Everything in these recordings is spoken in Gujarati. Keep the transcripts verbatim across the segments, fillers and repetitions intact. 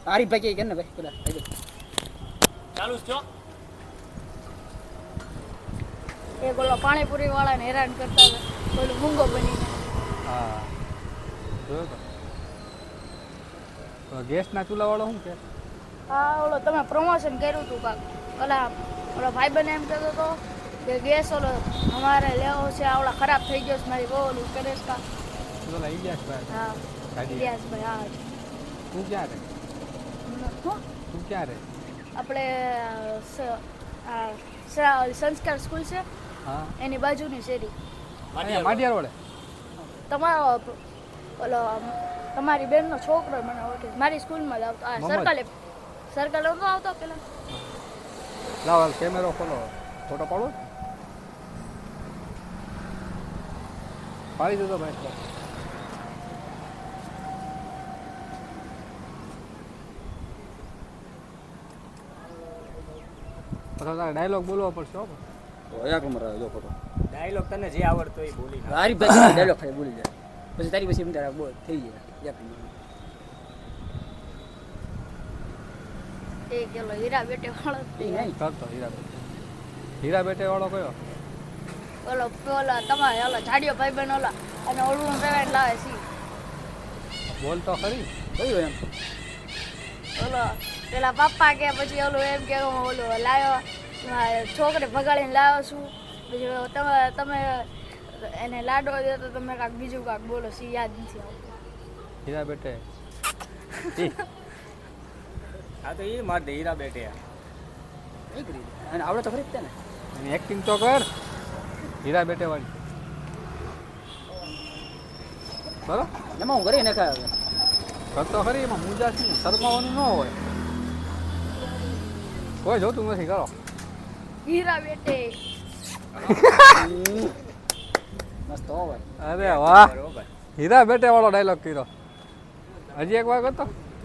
આરીફભાઈ કે ને ભાઈ પેલા ચાલુ છો એ બોલો પાણીપુરી વાળાને હેરાન કરતા હતા બોલો મૂંગો બનીને હા જોયો તો ગેસના ચૂલા વાળો શું કે હા ઓલો તમે પ્રમોશન કર્યું હતું કાક ઓલા ઓલો ભાઈબંધ એમ કહેતો હતો કે ગેસ ઓલો અમારે લેવો છે આવડા ખરાબ થઈ ગયો છે મારી બહુ ઓલું કરે છે કા ઓલા ઇલિયાસભાઈ હા ઇલિયાસભાઈ હા તું ક્યાં રે શું તું ક્યાં રે આપણે સંસ્કાર સ્કૂલ છે હા એની બાજુની શેરી માડિયાર વડે તમારો ઓલો તમારી બેનનો છોકરો મને ઓળખે મારી સ્કૂલમાં જ આવતો આ સર્કલ સર્કલ નહોતો આવતો પેલા લાવ હાલ કેમેરો ખોલો ફોટો પાડો પાડી દીધો ભાઈ પછી તારે ડાયલોગ બોલવો પડશે હો એક નંબર આવે જો ફોટો ડાયલોગ તને જે આવડતો એ બોલી નાખ. આરીફભાઈ ડાયલોગ ખાલી બોલી જાય પછી તારી પછી એમ તારા બોલ થઈ જાય એક નંબર એ કેલો હીરા બેટે વાળો એ નહીં કરતો હીરા બેટે હીરા બેટે વાળો કયો ઓલો ઓલા તમારે ઓલો જાડિયો ભાઈ બહેન ઓલા અને ઓળું રેવાઈને લાવે સી બોલ તો ખરી કયું એમ ઓલો પેલા પપ્પા કે પછી ઓલું એમ કે હું ઓલું લાવ્યો છોકરે ભગાડીને લાવ્યો છું પછી તમે તમે એને લાડો દો તો તમે કાંક બીજું કાંક બોલો સી યાદ નથી આવતું હીરા બેટે હા તો એ માર દે હીરા બેટે નહીં કરી અને આવડે તો ખરી જ તે ને એની એક્ટિંગ તો કર હીરા બેટે વાળી બરો એમાં હું કરી નાખા હવે કરતો ખરી એમાં મુજા છે શરમાવાનું ન હોય કોઈ જોતું નથી કરો હીરા બેટે મસ્ત હો ભાઈ અરે વાહ બરોબર હીરા બેટે વાળો ડાયલોગ કર્યો હજી એક વાર કરતો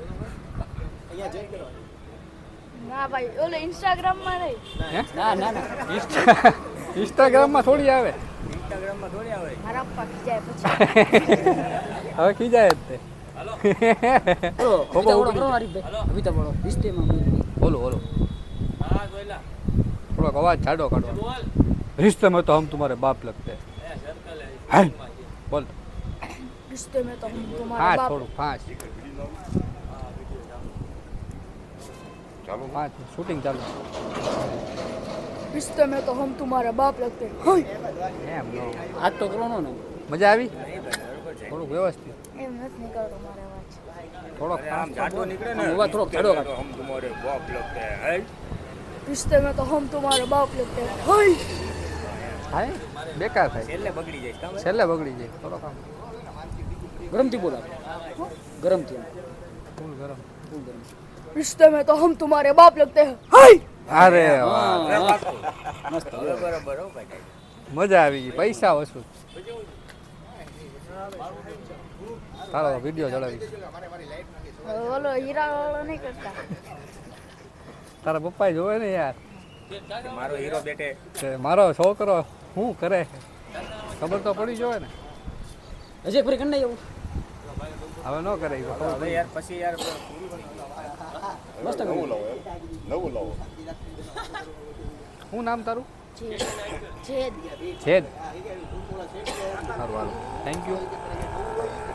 ના ભાઈ ઓલો ઇન્સ્ટાગ્રામમાં નહીં હે ના ના ના ઇન્સ્ટા ઇન્સ્ટાગ્રામમાં થોડી આવે ઇન્સ્ટાગ્રામમાં થોડી આવે મારા પપ્પા ખીજાય પછી હવે ખીજાય જ તે બોલો કવિતા બોલો કરો આરીફભાઈ કવિતા બોલો રિશ્તેમાં બોલો બોલો હા જોઈલા થોડોક અવાજ જાડો કાઢો रिश्ते में तो हम तुम्हारे बाप लगते हैं बोल रिश्ते में तो हम तुम्हारा हाँ बाप छोड़ो पाँच चालू पाँच शूटिंग चालू रिश्ते में तो हम तुम्हारा बाप लगते हैं એમ નો આજ તો કરો ને મજા આવી થોડુંક વ્યવસ્થિત એમ નથી નીકળતો મારો અવાજ થોડોક આમ જાડો નીકળે ને અવાજ થોડોક જાડો કાઢો હમ તમારે બાપ લગતે હે रिश्ते में तो हम तुम्हारा बाप लगते हैं हाय થાય બેકાર થાય છેલ્લે બગડી જાય કામ છેલ્લે બગડી જાય થોડોક આમ ગરમથી બોલો ગરમથી ફૂલ ગરમ ફૂલ ગરમ रिश्ते में तो हम तुम्हारे बाप लगते हैं हाय અરે વાહ મસ્ત બરોબર હો ભાઈ મજા આવી ગઈ પૈસા વસૂલ તારો વિડીયો ચડાવી ઓલો હીરા વાળો નહીં કરતા તારા પપ્પાએ જોવે ને યાર મારો હીરો બેટે કે મારો છોકરો શું કરે ખબર તો પડી જોવે ને હજી એક ફરી કરી નહીં એવું હવે ન કરે ઈ ખબર હવે યાર પછી યાર મસ્ત નવું લાવો નવું લાવો શું નામ તારું છેદ છેદ છેદ સારું હાલો થેન્ક યુ